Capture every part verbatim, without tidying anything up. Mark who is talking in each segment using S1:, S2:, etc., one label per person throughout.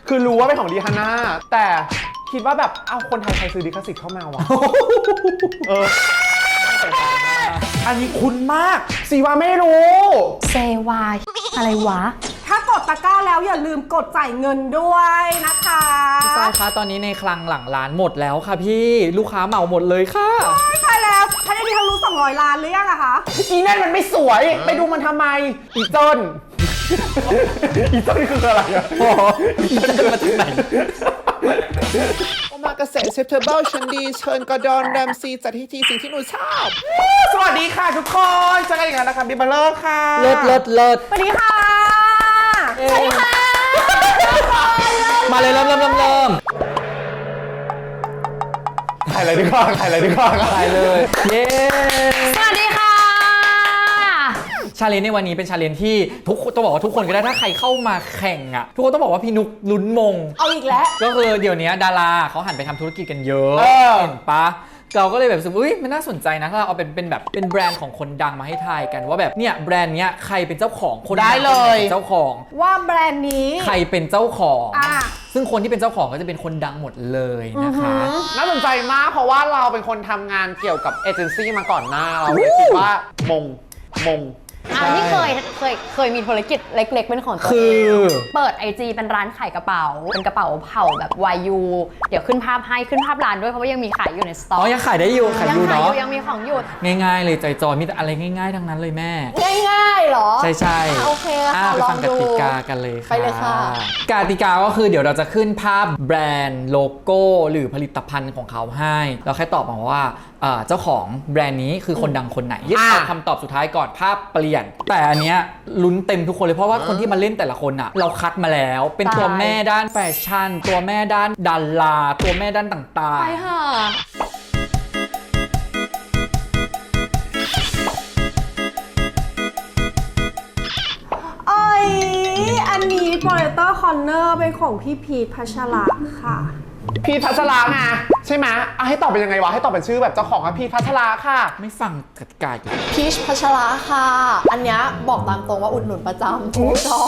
S1: คือรู้ว่าเป็นของดีฮาน่าแต่คิดว่าแบบเอาคนไทยใครซื้อลิขสิทธิ์เข้ามาวะเอออันนี้คุ้นมากซีวาไม่รู้
S2: เซวาอะไรวะ
S3: ถ้ากดตะกร้าแล้วอย่าลืมกดจ่ายเงินด้วยนะคะ
S4: พี่ฝ้ายคะตอนนี้ในคลังหลังร้านหมดแล้วค่ะพี่ลูกค้าเหมาหมดเลยค่ะ
S3: ไม่ใช่แล้วถ้าได้ที่ทะลุสองร้อยล้านหรือยังอะคะ
S1: อีนั่นมันไม่สวยไปดูมันทำไมอีเจิ้นอีเจิ้นคืออะไรอะ
S4: อีเจิ้นมาจากไหน
S1: โอมากาเสะเชฟเทเบิลชันดีเชิญกอร์ดอนแรมซีจัดที่ทีสิ่งที่หนูชอบสวัสดีค่ะทุกคนเจอกันอีกแล้วนะคะบิบเบอร์ค่ะ
S4: เลิศเลิศเลิศ
S3: สวัสดีค่ะ
S2: สวัสดีค่ะ
S4: มาเลยเริ่มเริ่มเริ่มเริ่ม
S1: ถ่ายอะไรดีกว่าถ่ายอะไรดีกว่า
S4: ถ่ายเลยเย้
S2: สวัสดีค่ะ
S4: ชาเลนจ์ในวันนี้เป็นชาเลนจ์ที่ทุกต้องบอกว่าทุกคนก็ได้ถ้าใครเข้ามาแข่งอ่ะทุกคนต้องบอกว่าพี่นุกลุ้นมง
S3: เอาอีกแล้ว
S4: ก็คือเดี๋ยวนี้ดาราเขาหันไปทำธุรกิจกันเยอะเห็นปะเราก็เลยแบบรู้สึกอุ้ยมันน่าสนใจนะถ้าเราเอาเป็นเป็นแบบเป็นแบรนด์ของคนดังมาให้ทายกันว่าแบบเนี่ยแบรนด์เนี้ยใครเป็นเจ้าของคน
S1: ได้เลย
S4: เจ้าของ
S3: ว่าแบรนด์นี้
S4: ใครเป็นเจ้าของ
S3: อ่ะ
S4: ซึ่งคนที่เป็นเจ้าของก็จะเป็นคนดังหมดเลยนะคะ
S1: น่าสนใจมากเพราะว่าเราเป็นคนทำงานเกี่ยวกับเอเจนซี่มาก่อนหน้าเราเลยคิดว่ามงมง
S2: อ่านี่เคยเคยเคยมีธุรกิจเล็กๆเป็นของตัวเองเปิด ไอ จี เป็นร้านขายกระเป๋าเป็นกระเป๋าเผ่าแบบ วาย ยู เดี๋ยวขึ้นภาพให้ขึ้นภาพร้านด้วยเพราะว่ายังมีขายอยู่ในสต็อก
S4: อ๋อยังขายได้อยู่ขายอยู่เนาะ
S2: ยังมีของอยู่
S4: ง่ายๆเลยใจจอยมีแต่อะไรง่ายๆทั้งนั้นเลยแม่
S3: ง่ายๆหรอ
S4: ใช่ใช่
S3: โอเคค่ะ
S4: ไปฟังกติกากันเลยค่ะ
S3: ไปเลยค่ะ
S4: กติกาก็คือเดี๋ยวเราจะขึ้นภาพแบรนด์โลโก้หรือผลิตภัณฑ์ของเขาให้เราแค่ตอบมาว่าเจ้าของแบรนด์นี้คือคนดังคนไหนยึดเอาคำตอบสุดท้ายก่อนภาพเปลี่ยนแต่อันเนี้ยลุ้นเต็มทุกคนเลยเพราะว่าคนที่มาเล่นแต่ละคนอ่ะเราคัดมาแล้วเป็นตัวแม่ด้านแฟชั่นตัวแม่ด้านดาราตัวแม่ด้านต่างๆ
S2: ไปค่ะ
S3: เอ้ยอันนี้โปรเลเตอร์คอนเนอร์เป็นของพี่พีทพัชระค่ะ
S1: พีทพัชราไงใช่ไหมอ่ะให้ตอบเป็นยังไงวะให้ตอบเป็นชื่อแบบเจ้าของอ่ะพีทพัชราค่ะ
S4: ไม่ฟังกติกาอีก
S3: พีชพัชระค่ะอันเนี้ยบอกตามตรงว่าอุดหนุนประจำชอบ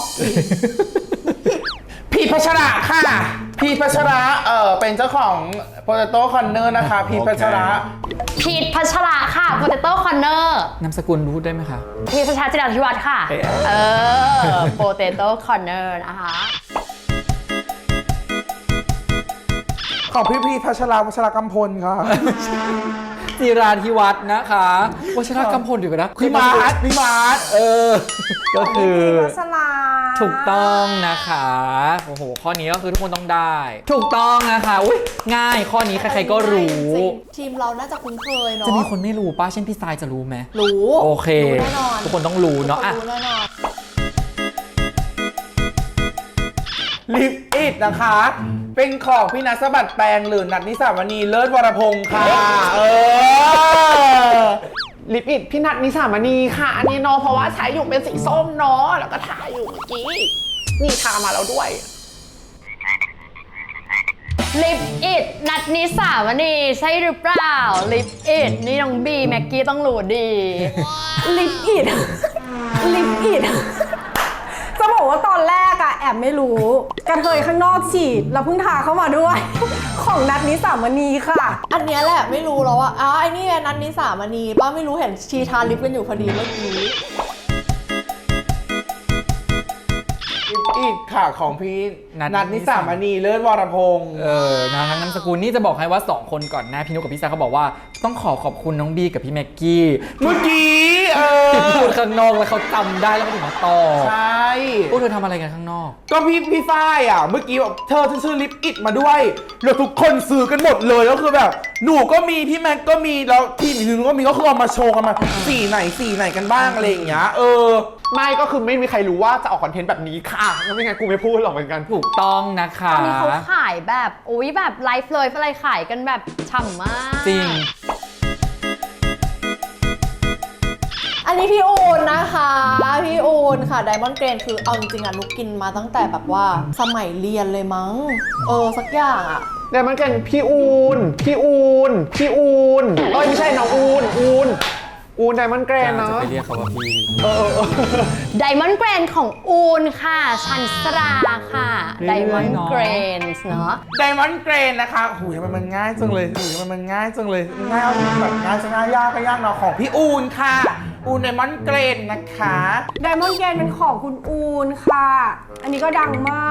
S1: พีทพัชราค่ะพีทพัชระเออเป็นเจ้าของ Potato Corner นะคะพีทพัชระ
S2: พีทพัชระค่ะ Potato Corner
S4: นามสกุลรู้ได้ไหมคะ
S2: พีทพัชระจิราธิวัฒน์ค่ะเออ Potato Corner นะคะ
S1: ของพี่พีพัชราวัชรกำพลค่ะ
S4: จิราธิวัฒน์นะคะวัชรกำพลอยู่กันนะ
S1: พี่มาร์ทพี่มาร์ท
S4: เออก็คือ
S3: พัชรา
S4: ถูกต้องนะคะโอ้โหข้อนี้ก็คือทุกคนต้องได้ถูกต้องนะคะอุ้ยง่ายข้อนี้ใครๆก็รู้
S3: ทีมเราน่าจะคุ้นเคยเนาะ
S4: จะมีคนไม่รู้ป้าเช่นพี่ทรายจะรู้ไหม
S3: รู้
S4: โอเค
S3: แน่นอน
S4: ทุกคนต้องรู้เนาะอ่ะ
S1: ลิปอิดนะคะเป็นของพี่นัทสะบัดแปลงหรือนัทนิสาวณีเลิศวรพงศ์ค่ะเออลิปอิดพี่นัทนิสาวณีค่ะอันนี้เนาะเพราะว่าใช้อยู่เป็นสีส้มเนาะแล้วก็ทาอยู่เมื่อกี้นี่ทามาแล้วด้วย
S2: ลิปอิดนัทนิสาวณีใช่หรือเปล่าลิปอิดนี่น้องบีแม็กกี้ต้องรู้ดี
S3: ลิปอิดลิปอิดจะบอกว่าตอนแรกอะแอบไม่รู้กระเทยข้างนอกฉีดแล้วเพิ่งทาเข้ามาด้วยของนัทนิสามณีค่ะอันนี้แหละไม่รู้แล้วว่าอ้าวไอ้นี่นัทนิสามณีป้าไม่รู้เห็นชีทาลิปกันอยู่พอดีเมื่อกี้
S1: อีกค่ะของพี่นัทนิสามณีเลิศวรพงศ์
S4: เออนะทั้งนามสกุลนี่จะบอกให้ว่าสองคนก่อนหน้าพี่นุกกับพี่ซาเขาบอกว่าต้องขอขอบคุณน้องบีกับพี่แม็กกี้
S1: เมื่อกี้เออ
S4: พูดข้างนอกแล้วเขาจำได้แล้วเขาถึงมาต่อ
S1: ใช่
S4: พวกเธอทำอะไรกันข้างนอก
S1: ก็พี่พี่ฝ้ายอ่ะเมื่อกี้แบบเธอซื้อลิปอิดมาด้วยแล้วทุกคนซื้อกันหมดเลยก็คือแบบหนูก็มีพี่แม็กก็มีแล้วพี่หนึ่งก็มีก็คือเอามาโชว์กันมาสีไหนสีไหนกันบ้างอะไรอย่างเงี้ยเออไม่ก็คือไม่มีใครรู้ว่าจะออกคอนเทนต์แบบนี้ค่ะแล้วไม่งั้นกูไม่พูดหรอกเหมือนกัน
S4: ถูกต้องนะคะ
S2: ตอนนี้เขาขายแบบอุ้ยแบบไลฟ์เลยอะไรขายกันแบบฉ่ำมาก
S4: จริง
S3: อันนี้พี่อูนนะคะพี่อูนค่ะไดมอนด์เกรนคือเอาจริงๆอ่ะนุกกินมาตั้งแต่แบบว่าสมัยเรียนเลยมั้งเออสักอย่างอ่ะ
S1: ไดมอนด์เกรนพี่อูนพี่อูนพี่อูนเอ้ยไม่ใช่น้องอูนอูน
S5: อูนไดมอนด์เกรนเนาะ
S4: จะไปเรียกเขาว่าพี่
S2: ไดมอนด์เกรนของอูนค่ะชันสราค่ะไดมอนด์เกรนเนาะ
S1: ไดมอนด์เกรนนะคะหูยมันมันง่ายจังเลยหูยมันมันง่ายจังเลยง่ายเอาแบบง่ายจะง่ายยากก็ยากเนาะของพี่อูนค่ะอูนไดมอนด์เกรนนะคะ
S3: ไดมอนด์เกนเป็นของคุณอูนค่ะ อันนี้ก็ดังมาก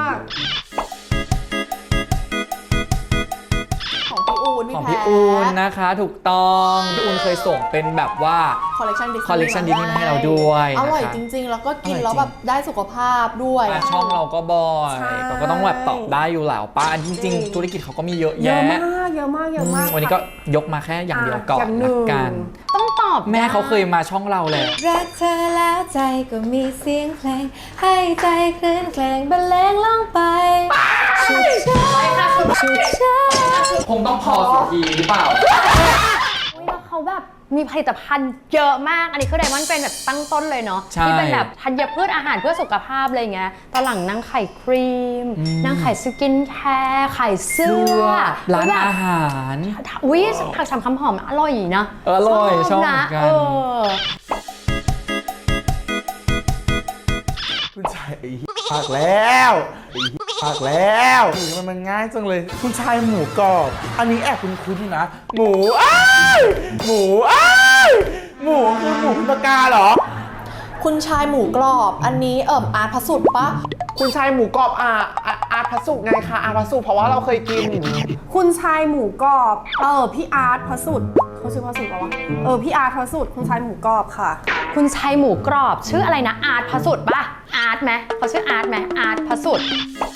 S6: ของพี่อูน
S4: ของ
S6: พี่
S4: พี่
S6: แพ้
S4: อูนนะคะถูกต้องพี่อูนเคยส่งเป็นแบบว่า
S6: คอลเลกชันดิสนีย์
S4: คอลเลกชันดิสนีย์ให้เราด้วย
S6: อร่อย
S4: นะคะ
S6: จริง ๆ แล้วก็กิน
S4: อร่อยจริง
S6: แล้วแบบได้สุขภาพด้วย
S4: อ่ะช่องเราก็บ่อย
S3: ใช่
S4: เราก็ต้องแบบตอบได้อยู่แล้วป้าจริง ๆ ธุรกิจเขาก็มีเยอะ
S3: เยอะ
S4: แยะ
S3: มากเยอะมากเยอะมาก
S4: วันนี้ก็ยกมาแค่อย่างเดียวก่อน
S3: อย่างหนึ่
S4: ละ
S3: ง
S4: กัน
S2: ต้องตอบ
S4: แม่เขาเคยมาช่องเราเลย
S7: รักเธอแล้วใจก็มีเสียงเพลง ให้ใจคลื่นเพลงบรรเลงลงไปชุดช้าชุดช้า
S4: คงต้องพอสักทีหรือเปล่า
S2: อุ๊ยแล้วเขาแบบมีผลิตภัณฑ์เยอะมาก อันนี้คือไดมอนด์เป็นแบบตั้งต้นเลยเนาะ
S4: ใช่
S2: ที่เป็นแบบธัญพืชอาหารเพื่อสุขภาพอะไรเงี้ยตอนหลังนางไข่ครีมนางไข่สกินแคร์ไข่เสื้อ
S4: ร้าน
S2: อุ๊ยแบบ
S4: อาหาร
S2: อุ้ยผักสามคำหอมอร่อยนะ
S4: เอออร่อยชอบเหมื
S2: นะ
S4: อนกัน
S2: เออ
S1: คุณชายไอ้ปากแล้วไอ้ปากแล้วหูยมันมันง่ายจังเลย คุณชายหมูกรอบ อันนี้แอบคุณคุ้นๆนะ หมูอ้ายหมูอ้ายหมูคือหมูพิมพ์กาเหรอ
S6: คุณชายหมูกรอบ อันนี้เอิ่มอาร์ตพระสุดปะ
S5: คุณชายหมูกรอบอาอาอาร์ตพระสุกไงคะอาร์ตพระสุกเพราะว่าเราเคยกิน
S3: คุณชายหมูกรอบ เออพี่อาร์ตพระสุดเขาชื่อพระสุดปะวะเออพี่อาร์ตพระสุดคุณชายหมูกรอบค่ะ
S2: คุณชัยหมูกรอบชื่ออะไรนะอาร์ตพระสุดป่ะอาร์ตไหมเขาชื่ออาร์ตไหมอาร์ตพระสุด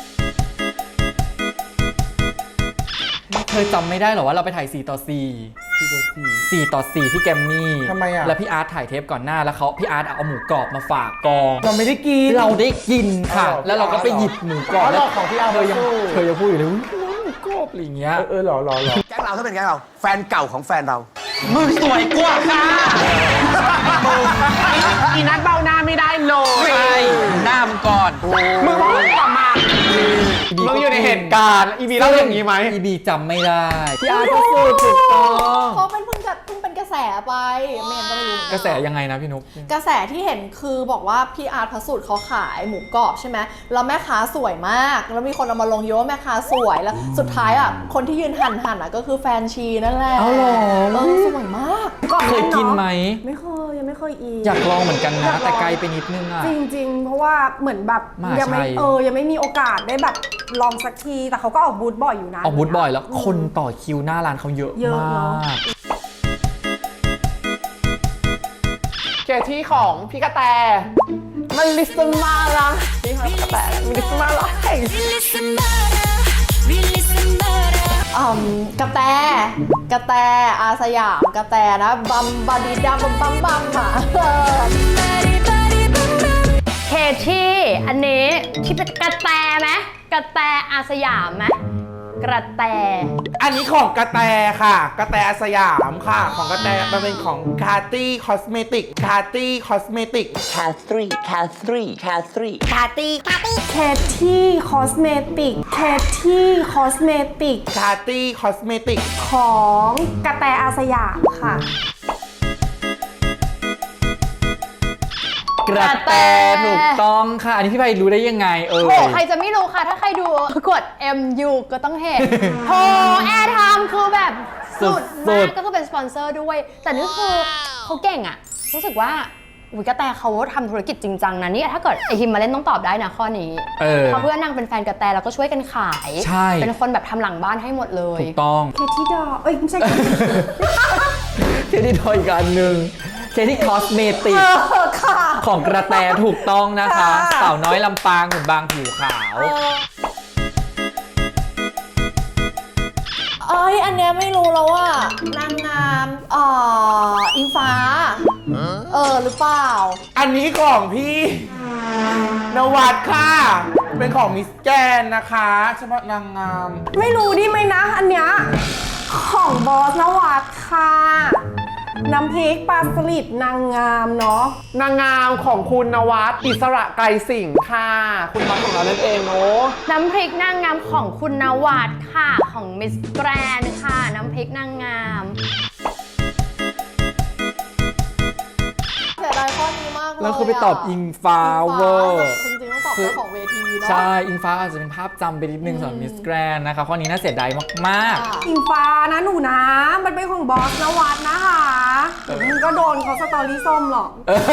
S4: เธอจำไม่ได้เหรอว่าเราไปถ่ายสี่ต่อสี่ สี่ต่อสี่ที่แกมมี่
S1: ทำไมอ่ะ
S4: แล้วพี่อาร์ตถ่ายเทปก่อนหน้าแล้วเขาพี่อาร์ตเอาหมูกรอบมาฝากกอง
S1: เราไม่ได้กิน
S4: เราได้กินค่ะ
S1: อ๋อเหรอ
S4: แล้วเราก็ไปหยิบหมูกรอบ
S1: อ๋อเหรอ
S4: แล้ว
S1: ของพี่อาร์ต
S4: เธอยัง
S1: สู้
S4: เธอยังพูดอยู่เลยอุ๊ยน้องหมูกรอบอะไรอย่างเงี้ย
S1: เออเออเหรอเหรอเหรอ
S8: แก๊งเราถ้าเป็นแก๊งเราแฟนเก่าของแฟนเรา
S5: มึงสวยกว่าค่ะอีนัดเบ้าหน้าไม่ได้เลย
S4: ใช่หน้ามึงก่อน
S5: มึงพูดกลับมามึงอยู่ในเหตุการณ์อีบีเล่าอย่างนี้ไหม
S4: อีบีจำไม่ได้พี่อาร์ตก็พูดถูกต้อง
S6: เขาเป็นเพิ่งจะเพิ่งเป็นกระแสไปไม่งั้นก็ไม่รู้เหมือนน
S4: กระแสยังไงนะพี่นุ๊ก
S6: กระแสที่เห็นคือบอกว่าพี่อาร์ตพระสุดเขาขายหมูกรอบใช่ไหมแล้วแม่ค้าสวยมาก แล้วมีคนเอามาลงเยอะว่าแม่ค้าสวยแล้วสุดท้ายอ่ะคนที่ยืนหันหันอ่ะก็คือแฟนชีนั่นแหละ
S4: เอาเหรอ
S6: เออสวยมาก
S4: เคยกินไหม
S3: ไม่เคยยังไม่เคยอีก
S4: อยากลองเหมือนกัน
S3: อยา
S4: นะ
S3: กลอง
S4: แต่ไกลไปนิดนึงอ่ะ
S3: จริงๆ เพราะว่าเหมือนแบบ
S4: มหาชัย
S3: ยัไม่เออยังไม่มีโอกาสได้แบบลองสักที แต่เขาก็ออกบูธบ่อยอยู่นะ
S4: ออกบูธบ่อยแล้วคนต่อคิวหน้าร้านเขาเยอะ
S3: เยอะ
S4: มา
S3: เนอะ
S4: ก
S5: เคที่ของพี่กระแตมันลิสมาละพี่กระแตมันลิสมาละ
S6: อืมกระแตกระแตอาสยามกระแตนะบัมบาดีดัมบัมบัมบัมอ่ะ
S2: เคที่อันนี้ที่เป็นกระแตไหมกระแตอาสยามไหมกระแต
S1: อันนี้ของกระแตค่ะ กระแตสยามค่ะ ของกระแตมันเป็นของคาร์ตี้คอสเมติกคาร์ตี้คอสเมติก
S8: Catherine Catherine Catherine
S3: แคที่คอสเมติกแคที่คอสเมติก
S1: คาร์ตี้คอสเมติก
S3: ของกระแตอาสยามค่ะ
S4: กระแตถูกต้องค่ะ อันนี้พี่ไพรู้ได้ยังไงเออ
S2: โหใครจะไม่รู้ค่ะ ถ้าใครดูกด เอ็ม ยู ก็ต้องเห็นโหแอร์ไทม์คือแบบสุด
S4: สุ
S2: มาก
S4: ด
S2: ก็คือเป็นสปอนเซอร์ด้วย แต่นี่คือเขาเก่งอะรู้สึกว่าอุยกระแตเขาทำธุรกิจจริงจังนะเนี่ยถ้าเกิดไอฮิมมาเล่นต้องตอบได้นะข้อนี้
S4: เออ
S2: เพราะเพื่อนนางเป็นแฟนกระแตแล้วก็ช่วยกันขาย
S4: ใช่
S2: เป็นคนแบบทำหลังบ้านให้หมดเลย
S4: ถูกต้อง
S3: เคที่ดอเอ้ยไม่ใช่
S4: เคที่ทอยอีกอันหนึ่งเคที่คอสเมติก
S3: เออค่ะ
S4: ของกระแตถูกต้องนะคะ
S3: ค่ะ
S4: สาวน้อยลำปางหุ่นบางผิวขาว
S6: เอ้ยอันเนี้ยไม่รู้แล้วว่านางงามเอ่ออิงฟ้าเออหรือเปล่า
S1: อันนี้ของพี่นวัดค่ะ เป็นของมิสแกนนะคะเฉพาะนางงาม
S3: ไม่รู้ดิไหมนะ อันเนี้ยของบอสนวัดค่ะ น้ำพริกปลาสลิดนางงามเนาะ
S5: นางงามของคุณนวัดอิสระไกรสิงห์ค่ะ คุณบอลของเรานั่นเองเนาะ
S2: น้ำพริกนางงามของคุณนวัดค่ะของมิสแกรนค่ะ น้ำพริกนางงาม
S6: ากเลย
S4: แล้วคือไปตอบอิงฟ้าเวอร์
S6: จริงๆต้องตอบเจ้าของเวทีเนาะ
S4: ใช่ อิงฟ้าอาจจะเป็นภาพจำไปนิดนึงสำหรับมิสแกรนนะคะข้อนี้น่าเสียดายมาก
S6: ค่ะ
S3: อิงฟ้านะหนูนะ มันเป็นของบอสนวัดนะคะเดี๋ยวมึงก็โดนเขาสตอรี่ส้มหรอก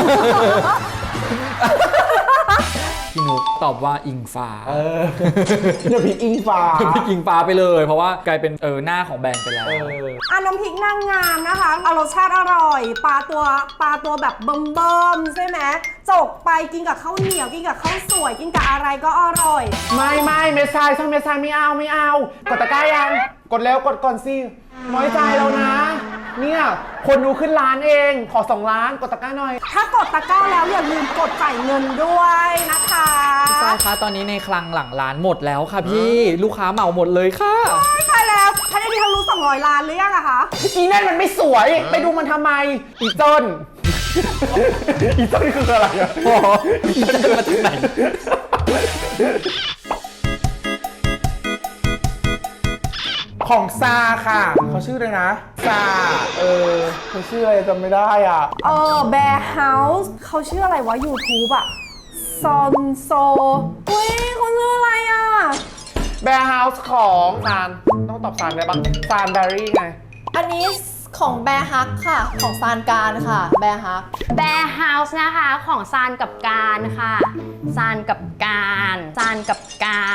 S4: ๆ พี่นุกตอบว่าอิงฟ้า
S1: เออเดี๋ยวพี่อิงฟ้า
S4: พี่อิงฟ้าไปเลย เพราะว่ากลายเป็นเออหน้าของแบรนด์ไปแล้ว
S1: เออ
S3: อ่ะน้ำพริกนางงามนะคะเอารสชาติอร่อยปลาตัวปลาตัวแบบเบิ่มๆใช่ไหมจกไปกินกับข้าวเหนียวกินกับข้าวสวยกินกับอะไรก็อร่อย
S5: ไม่ไม่เมสไซช่องเมสไซไม่เอาไม่เอา กดตะกร้ายัง กดแล้วกดก่อนสิ น้อยใจแล้วนะ เนี่ย คนดูขึ้นล้านเอง ขอสองล้านกดตะกร้าหน่อย
S3: ถ้ากดตะกร้าแล้วอย่าลืมกดจ่ายเงินด้วยนะคะ
S4: ใช่ค่ะตอนนี้ในคลังหลังร้านหมดแล้วค่ะพี่ลูกค้าเหมาหมดเลยค่ะ
S3: ไม่ใช่แล้วท่านนี้ทะลุสองร้อยล้านหรือยังอะคะ
S5: อีนั่นมันไม่สวย ไปดูมันทำไม อีจน อีจนนี่คืออะไรอะ
S4: อ๋ออีจนมาจากไหน
S1: ของซาค่ะ เขาชื่อเลยนะซาเออเขาชื่ออะไรจำไม่ได้อ่ะ
S3: เออแบร์เฮาส์เขาชื่ออะไรวะ YouTube อะซอนโซเฮ้ยเขาชื่ออะไรอะ
S5: แบร์เฮาส์ของซาน ต้องตอบซานได้บ้างซานแบรี่ไง
S6: อันนี้ของแบร์ฮักค่ะ ของซานการค่ะ แบร์ฮัก
S2: แบร์เฮาส์นะคะของซานกับการค่ะซานกับการซานกับการ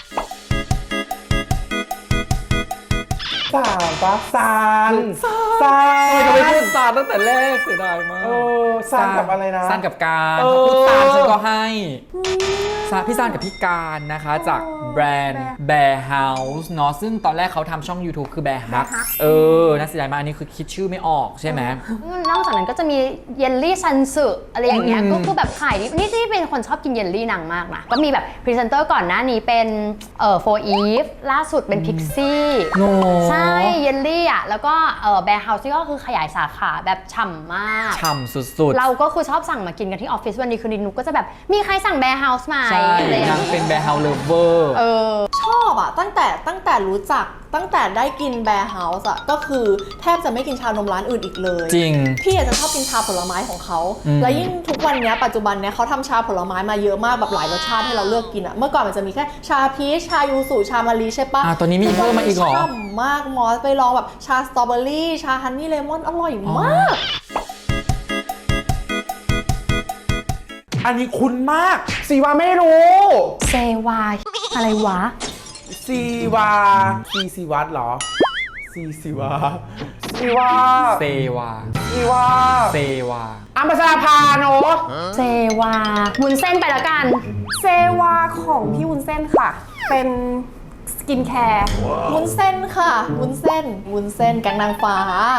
S1: ซานปะซานซาน
S4: ทำไมจะไม่พูดซานตั้งแต่แรกเสียดายมาก
S1: เออซานกับอะไรนะ
S4: ซานกับการ
S1: เออ
S4: พูดซานฉันก็ให้ซานพี่ซานกับพี่การนะคะจากแบรนด์ Bear House เนาะซึ่งตอนแรกเขาทำช่อง YouTube คือ Bear Hug เออน่าเสียดายมากอันนี้คือคิดชื่อไม่ออกใช่ไหม
S2: นอกจากนั้นก็จะมีเยลลี่ซันสึอะไรอย่างเงี้ย
S4: อืม
S2: ก็คือแบบขายดีนี่ที่เป็นคนชอบกินเยลลี่นางมากนะก็มีแบบพรีเซนเตอร์ก่อนหน้านี้เป็นเอ่อ for eve ล่าสุดเป็น Pixie
S4: โอ้
S2: ใช่เยลลี่อ่ะแล้วก็เอ่อแบร์เฮาส์ที่ก็คือขยายสาขาแบบฉ่ำมาก
S4: ฉ่ำสุดๆ
S2: เราก็คือชอบสั่งมากินกันที่ออฟฟิศวันนี้คืนนี้นุกก็จะแบบมีใครสั่งแบร์เฮาส์ไหม
S4: ใช่
S2: อะไรอย่าง
S4: นาง
S2: เงี้ย
S4: เป็น Bear House Lover
S2: เออ
S6: ชอบอะตั้งแต่ตั้งแต่รู้จักตั้งแต่ได้กินแบร์เฮาส์อะก็คือแทบจะไม่กินชานมร้านอื่นอีกเลย
S4: จริง
S6: พี่อาจจะชอบกินชาผลไม้ของเขา
S4: อืม
S6: และยิ่งทุกวันเนี้ยปัจจุบันเนี้ยเขาทำชาผลไม้มาเยอะมากแบบหลายรสชาติให้เราเลือกกินอะเมื่อก่อนมันจะมีแค่ชาพีชชายูสุชามะลิใช่ปะ
S4: อ่ะตอนนี้มีเพิ่มมาอีกเหรอ
S6: ฉ่ำมากมอสไปลองแบบชาสตรอเบอรี่ชาฮันนี่เลมอนอร่อยมาก
S1: อันนี้คุ้นมาก
S5: สีว่าไม่รู้
S2: เซวาอะไรวะ
S1: ซีวาซีซีวัตเหรอซีซีวา
S5: สีว่า
S4: เซวา
S5: สีว่า
S4: เซวา
S5: อัมพชราภาเนอะ
S2: เซวาวุ้นเส้นไปละกัน
S3: เซวาของพี่วุ้นเส้นค่ะ เป็นสกินแคร์
S6: วุ้นเส้นค่ะวุ้นเส้นวุ้นเส้นแกงนางฟ้า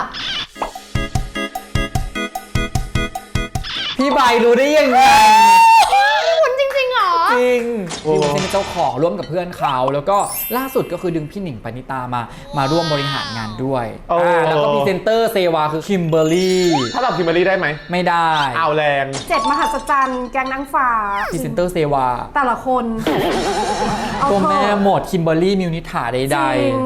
S4: พี่ใบรู้ได้ยังไง
S2: วุ้นจริงๆเหรอ
S4: จริงพี่วุ้นเส้นเป็นเจ้าของร่วมกับเพื่อนเขาแล้วก็ล่าสุดก็คือดึงพี่หนิงปณิตามามาร่วมบริหารงานด้วยอ่าแล้วก็พรีเซนเตอร์เซวาคือคิมเบอร์รี่
S5: ถ้าตอบคิมเบอรรี่ได้ไหม
S4: ไม่ได้
S5: เอาแรง
S3: เจ็ดมหัศจรรย์แกงนางฟ้า
S4: พรีเซนเตอร์เซวา
S3: แต่ละคนเอา
S4: ตัว
S3: เถ
S4: แม่
S3: อะ
S4: หมดคิมเบอร์รี่มิวนิถาใด
S3: จริง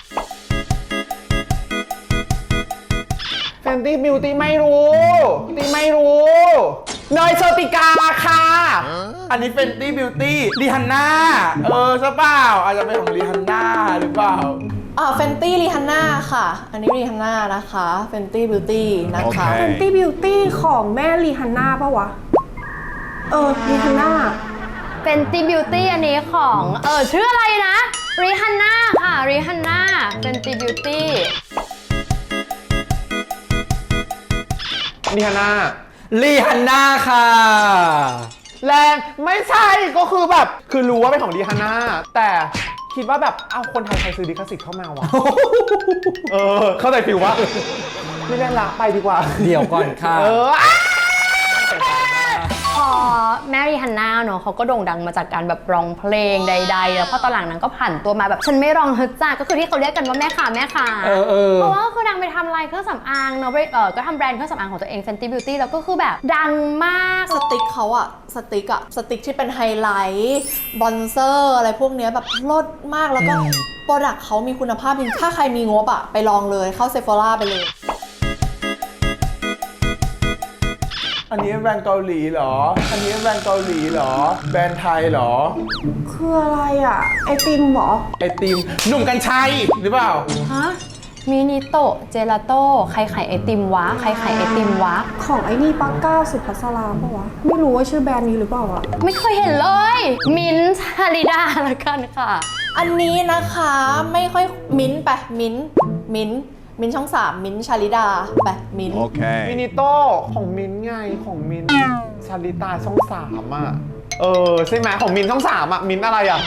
S5: แฟนตี้บิวตี้ไม่รู้ตีไม่รู้เนยโชติกาค่ะ
S1: อันนี้เป็นตี้บิวตี้รีฮันน่าเออใช่เปล่าอาจจะเป็นของรีฮันน่าหรือเปล่า
S6: อ่าเฟนตี้รีฮันน่าค่ะ อันนี้รีฮันน่านะคะเฟนตี้บิวตี้นะคะ
S5: โอเค
S3: ๆ Fenty Beauty ของแม่รีฮันน่าปะวะ เออรีฮันน่า
S2: เป็นตีบิวตี้อันนี้ของเออชื่ออะไรนะริฮันน่าค่ะริฮันน่าเป็นตีบิวตี้
S5: ดิฮาน่า
S4: ลีฮันน่าค่ะ
S5: แรงไม่ใช่ก็คือแบบคือรู้ว่าเป็นของดิฮาน่าแต่คิดว่าแบบเอาคนไทยใครซื้อดิคาสิทธิ์เข้ามาวะ เออ เข้าใจฟิลว่าไม่เล่นละไปดีกว่า
S4: เดี๋ยวก่อนค่ะ
S5: เออ
S2: พอแมรี่ฮันน่าเนอะเขาก็โด่งดังมาจากการแบบร้องเพลงใดๆ แล้วพอตอนหลังนั้นก็ผ่านตัวมาแบบฉันไม่ร้องฮึดจ้าก็คือที่เขาเรียกกันว่าแม่ค้าแม่ค้า
S4: เออเออ
S2: เพราะว่าคือนางไปทำลายเครื่องสำอางเนาะเออก็ทำแบรนด์เครื่องสำอางของตัวเอง Fenty Beauty แล้วก็คือแบบดังมาก
S6: สติ๊กเขาอะสติ๊กอะสติ๊กที่เป็นไฮไลท์บรอนเซอร์อะไรพวกเนี้ยแบบลดมากแล้วก็
S4: อืม
S6: โปรดักต์เขามีคุณภาพจริงถ้าใครมีงบอะไปลองเลยเข้าเซฟ h อร่าไปเลย
S1: อัอันนี้แบรนด์เกาหลีเหรอ อันนี้แบรนด์เกาหลีเหรอ แบรนด์ไทยเหรอ
S3: คืออะไรอ่ะ ไอติมเหรอ
S1: ไอติมหนุ่มกัญชัยหรือเปล่า
S3: ฮะ
S2: มินิโตะเจลาโต้ใครขายไอติมวะ ใครขายไอติมวะ
S3: ของไอ้นี่ปักก้าสุภัสราปะวะ ไม่รู้ว่าชื่อแบรนด์นี้หรือเปล่าอ่ะ
S2: ไม่เคยเห็นเลย มินท์ฮาริดาละกันค่ะ
S6: อันนี้นะคะไม่ค่อยมิ้นท์ไปมิ้นท์มิ้นท์มิ้นท์ช่องสามมิ้นท์ชาลิดาไปมิ้นท์
S5: มินิโต้ของมินท์ไงของมินท์ชาลิตาช่องสามอ่ะ เออใช่ไหมของมินท์ช่องสามอ่ะ มินท์อะไรอ่ะ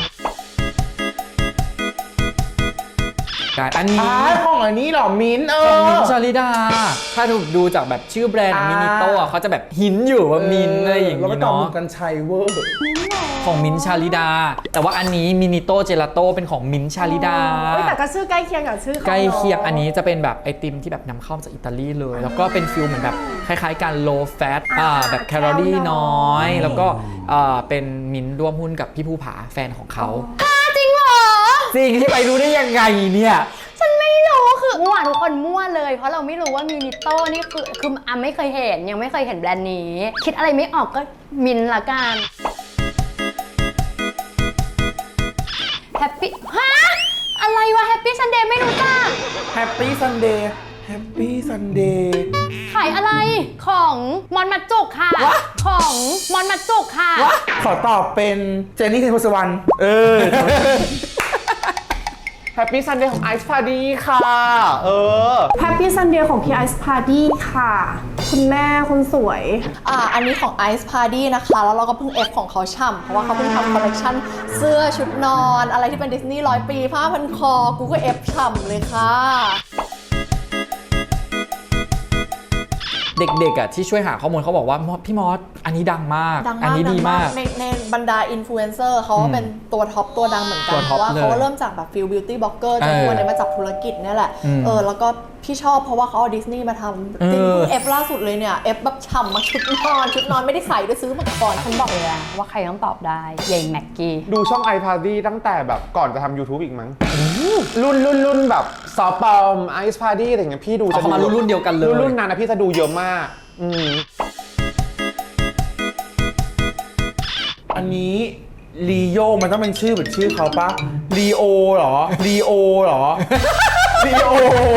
S4: อันนี้
S1: อ่าของอันนี้เหรอ มิ้นท์เอ
S4: ของ
S1: อ
S4: มินท์ชาลิดา ถ้าถูกดูจากแบบชื่อแบรนด์
S1: อ่า
S4: มินิโต้เขาจะแบบหินอยู่ว่ามินท์อะไรอย่าง
S1: แล้วก็
S4: นี้
S1: ตอบห
S4: เนาะ
S1: นุ่มกัญชัยเวอร์
S4: ของมินท์ชาลิดา แต่ว่าอันนี้มินิโต้เจลาโต้เป็นของมินท์ชาลิดา
S3: เฮ้ยแต่ก็ชื่อใกล้เคียงกับชื่อเขา
S4: ใกล้เคียง
S3: นอะ
S4: อันนี้จะเป็นแบบไอติมที่แบบนำเข้ามาจากอิตาลีเลย แล้วก็เป็นฟิลเหมือนแบบคล้ายๆกัน low fat อ่าแบบแคลอรี่น้อย แล้วก็อ่าเป็นมินท์ร่วมหุ้นกับพี่ภูผาแฟนของเขา
S2: จริงเหรอ
S4: จริงที่ไปรู้ได้ยังไงเนี่ย
S2: ฉันไม่รู้คือมั่วทุกคนมั่วเลย เพราะเราไม่รู้ว่ามินิโต้นี่คือคืออ่ะไม่เคยเห็นยังไม่เคยเห็นแบรนด์นี้ คิดอะไรไม่ออกก็มินท์ละกันแฮปปี้ฮะอะไรวะแฮปปี้ซันเดย์ไม่รู้จัก
S1: Happy Sunday Happy Sunday
S2: ขายอะไรของมอนมัดจุกค่ะ ของมอนมัดจุกค่ะ
S1: ขอตอบเป็นเจนนี่เทนโพสวรรณเออ
S5: แฮปปี้ซันเดย์ของไอซ์พาดีค่ะ เออ
S3: แฮปปี้ซันเดย์ของพี่ไอซ์พาร์ตี้ค่ะ คุณแม่คนสวย
S6: อ่าอันนี้ของ Ice Party นะคะ แล้วเราก็เพิ่งเอฟของเขาช่ำเพราะว่าเขาเพิ่งทำคอลเลคชันเสื้อชุดนอน อะไรที่เป็นดิสนีย์ร้อยปีผ้าพันคอ กูก็เอฟช่ำเลยค่ะ
S4: เด็กๆอ่ะที่ช่วยหาข้อมูลเขาบอกว่าพี่มอสอันนี้ดังมาก
S6: ดัง
S4: อั
S6: มาก
S4: นี้ดี
S6: ดัง
S4: มาก
S6: ในในบรรดาอินฟลูเอนเซอร์เขาก็เป็นตัวท็อปตัวดังเหมือนกั
S4: ตั
S6: น
S4: ว
S6: เพ
S4: ท็อป
S6: ราะว่า
S4: เลย
S6: เขาเริ่มจากแบบฟิลบิวตี้บล็อกเกอร์จน
S4: เออ
S6: วันนี้มาจับธุรกิจเนี่ยแหละ
S4: อืม
S6: เออแล้วก็พี่ชอบเพราะว่าเขาเอาดิสนีย์มาทำจริง
S4: เออ
S6: เอฟล่าสุดเลยเนี่ยเอฟแบบฉ่ำมาชุดนอนชุดนอนไม่ได้ใส่ด้วยซื้อมาก่อน
S2: ฉันบอกเลยนะว่าใครต้องตอบได้ยายแม็กกี้
S5: ดูช่องไอพาดีตั้งแต่แบบก่อนจะทำ YouTube อีกมั้ง รุ่นรุ่นรุ่นแบบซอฟต์ปอมไอซ์พาดีอะไรอย่างเงี้ยพี่ดู
S4: เอาเข้ามารุ่นๆเดียวกันเลย
S5: รุ่นรุ่นนั้นนะพี่จะดูเยอะมาก อืม
S1: อันนี้ลีโอมันต้องเป็นชื่อเหมือนชื่อเขาปะลีโอเหรอลีโอเหรอลีโอ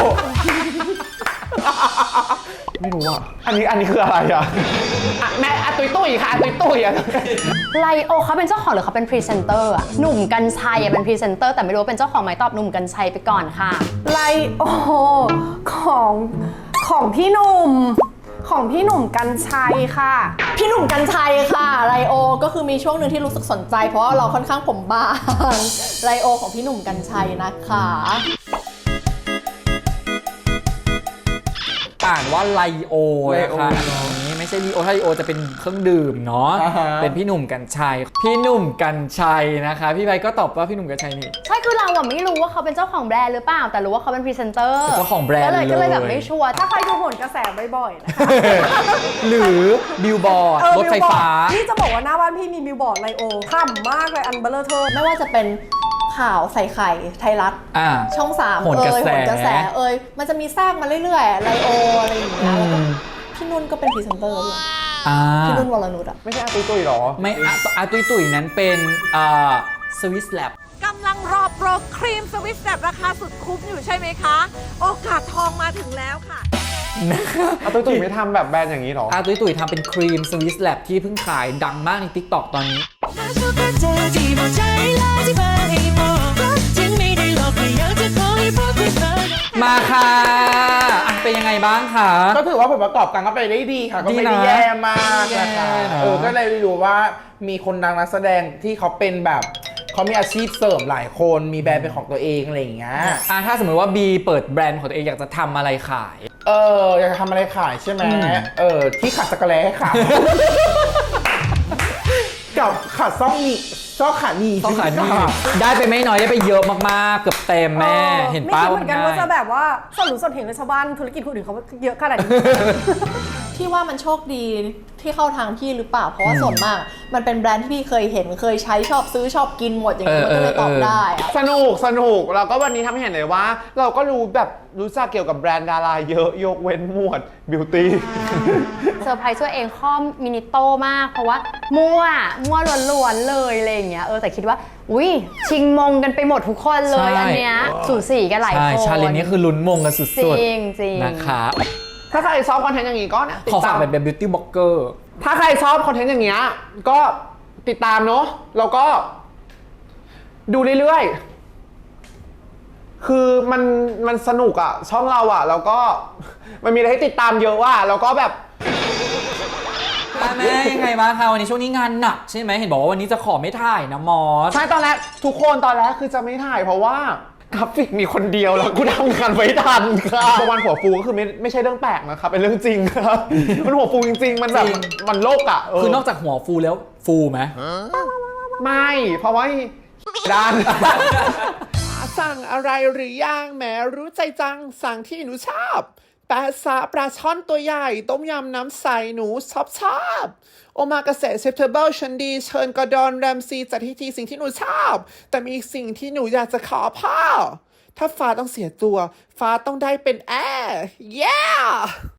S5: ไม่รู้อ่ะ อันนี้อันนี้คืออะไรอ่ะอ่ะแม่อะตุยตุยค่ะอะตุยตุยอ่ะ
S2: ไลโอเขาเป็นเจ้าของหรือเขาเป็นพรีเซนเตอร์อะหนุ่มกัญชัยอะเป็นพรีเซนเตอร์แต่ไม่รู้ว่าเป็นเจ้าของไหมตอบหนุ่มกัญชัยไปก่อนค่ะ
S3: ไลโอของของพี่หนุ่ม ของพี่หนุ่มกัญชัยค่ะ
S6: พี่หนุ่มกัญชัยค่ะไลโอก็คือมีช่วงหนึ่งที่รู้สึกสนใจ เพราะว่าเราค่อนข้างผมบางไลโอของพี่หนุ่มกัญชัยนะคะ
S4: อ่านว่าไลโอนะคะอันนี้ไม่ใช่ลีโอถ้าลีโอจะเป็นเครื่องดื่มเนาะ
S1: อ่าฮะ
S4: เป็นพี่หนุ่มกัญชัย พี่หนุ่มกัญชัยนะคะ พี่ใบก็ตอบว่าพี่หนุ่มกัญชัยนี่
S2: ใช่คือเราอะไม่รู้ว่าเขาเป็นเจ้าของแบรนด์หรือเปล่าแต่รู้ว่าเขาเป็นพรีเซนเตอร์
S4: เป็นเจ้าของแบรนด์
S2: ก็เลยก็เลยแบบ
S4: เลย
S2: ไม่ชัวร์
S3: ถ้าใครดูโหนกระแสบ่อยๆนะคะ
S4: หรือบิลบอร์ด
S3: เออ
S4: รถไฟฟ้า
S3: บิลบอร์ดนี่จะบอกว่าหน้าบ้านพี่มีบิลบอร์ดไลโอทำมากเลยอันเบลเลอร์เทอร์
S6: ไม่ว่าจะเป็นข่าวใส่ไข่ไทยรัฐ
S4: อ่า
S6: ช่องสาม
S4: โหน
S6: เอ่
S4: กระ
S6: ย
S4: แส
S6: โหนกระแสเอ่ยมันจะมีแทรกมาเรื่อยๆไลโออะไรอย่างเงี้ยแล้วก็พี่นุ่นก็เป็นพรีเซนเตอร์ด้วย
S4: อ่า
S6: พี่นุ่นวรนุชอะ
S5: ไม่ใช่อะตุยตุยหรอ
S4: ไม่อะอาตุยตุยนั้นเป็นอ่าสวิสแลบ
S9: กำลังรอโปรครีมสวิสแบบราคาสุดคุ้มอยู่ใช่ไหมคะ โอกาสทองมาถึงแล้วค่ะ
S5: อะตุยตุยไม่ทำแบบแบรนด์อย่างนี้หรอ
S4: อาตุยตุยทำเป็นครีมสวิสแลบที่เพิ่งขายดังมากใน ติ๊กต็อก ตอนนี้ มาค่ะอ่ะเป็นยังไงบ้างคะ
S1: ก็ถือว่าผลประกอบการก็ไปได้ดีค่ะ ก็ไม่ได้
S4: ดีนะ
S1: แย่มากนะคะ
S4: แย่นะ
S1: เออก็เลยรู้ว่ามีคนดังนักแสดงที่เขาเป็นแบบเขามีอาชีพเสริมหลายคนมีแบรนด์เป็นของตัวเองอะไรอย่างเงี้ย
S4: อ่ะถ้าสมมติว่าบีเปิดแบรนด์ของตัวเองอยากจะทำอะไรขาย
S1: เอออยากจะทำอะไรขายใช่ไหม
S4: อืม
S1: เออที่ขัดจักรแล้ให้ขาย กับขัดซ่องนี่ซ่องขาหนี
S4: ต้องขายนี่ได้ไปไม่น้อยได้ไปเยอะมากๆ เกือบเต็มแม่
S3: ออ
S4: เห็น
S3: ไม่
S4: ป้า
S3: คิดเหมือนกันว่าจะ
S4: ง่าย
S3: แบบว่าสนหรือสนเห็นเลยชาวบ้านธุรกิจคนอื่นเขาเยอะขนาดนี้
S6: ที่พี่ว่ามันโชคดีที่เข้าทางพี่หรือเปล่าเพราะว่าส่วนมาก มันเป็นแบรนด์ที่พี่เคยเห็นเคยใช้ชอบซื้อชอบกินหมดอย่างเงี้ยมันก็เลยตอบได้อะ
S5: สนุกสนุกแล้วก็วันนี้ทำให้เห็นเลยว่า เราก็รู้แบบรู้จักเกี่ยวกับแบรนด์ดาราเยอะยกเว้นหมวดบิวตี้
S2: เซอร์ไพรส์ตัวเองข้อมินิโตมาก เพราะว่ามั่วมั่วล้วนๆเลยอะไรอย่างเงี้ยเออแต่คิดว่าอุ้ยชิงมงกันไปหมดทุกคนเลย
S4: ใช่
S2: อันเนี้ยสูสีกันหลาย
S4: ใช่
S2: คน
S4: ชาเลนจ์นี้คือลุ้นมงกันสุ
S2: จ
S4: ด
S2: ริงจริง
S4: ๆนะคะ
S5: ถ้าใครชอบคอนเทนต์อย่างนี้ก็นะติ
S4: ขอ
S5: ด
S4: ฝา
S5: ตาก ม
S4: เป็นแบบบิวตี้บล็อกเกอร์
S5: ถ้าใครชอบคอนเทนต์อย่างเงี้ยก็ติดตามเนาะแล้วก็ดูเรื่อยๆ คือมันมันสนุกอะช่องเราอะแล้วก็มันมีอะไรให้ติดตามเยอะว่ะแล้วก็แบบ
S4: แม่ยังไงบ้างคะวันนี้ช่วงนี้งานหนักใช่ไหมเห็นบอกว่าวันนี้จะขอไม่ถ่ายนะมอส
S5: ใช่ตอนแรกทุกคนตอนแรกคือจะไม่ถ่ายเพราะว่ากราฟิกมีคนเดียวแล้วกูทำงานไม่ทันค่ะวันหัวฟูก็คือไม่ไม่ใช่เรื่องแปลกนะครับเป็นเรื่องจริงครับ มันหัวฟูจริงๆ มันแบบ
S4: จริง
S5: มันโลกอะเ
S4: คือนอกจากหัวฟูแล้วฟูไหม
S5: ไม่เพราะว่าด้าน สั่งอะไรหรือยังแหมรู้ใจจังสั่งที่หนูชอบแปะซาปลาช่อนตัวใหญ่ ต้มยำน้ำใสหนูชอบชอบโอมากาเสะเซปเทเบิลชันดี เชิญกอร์ดอนแรมซีจัดที่ทีสิ่งที่หนูชอบ แต่มีอีกสิ่งที่หนูอยากจะขอพ่อ ถ้าฟ้าต้องเสียตัว ฟ้าต้องได้เป็นแอร์ yeah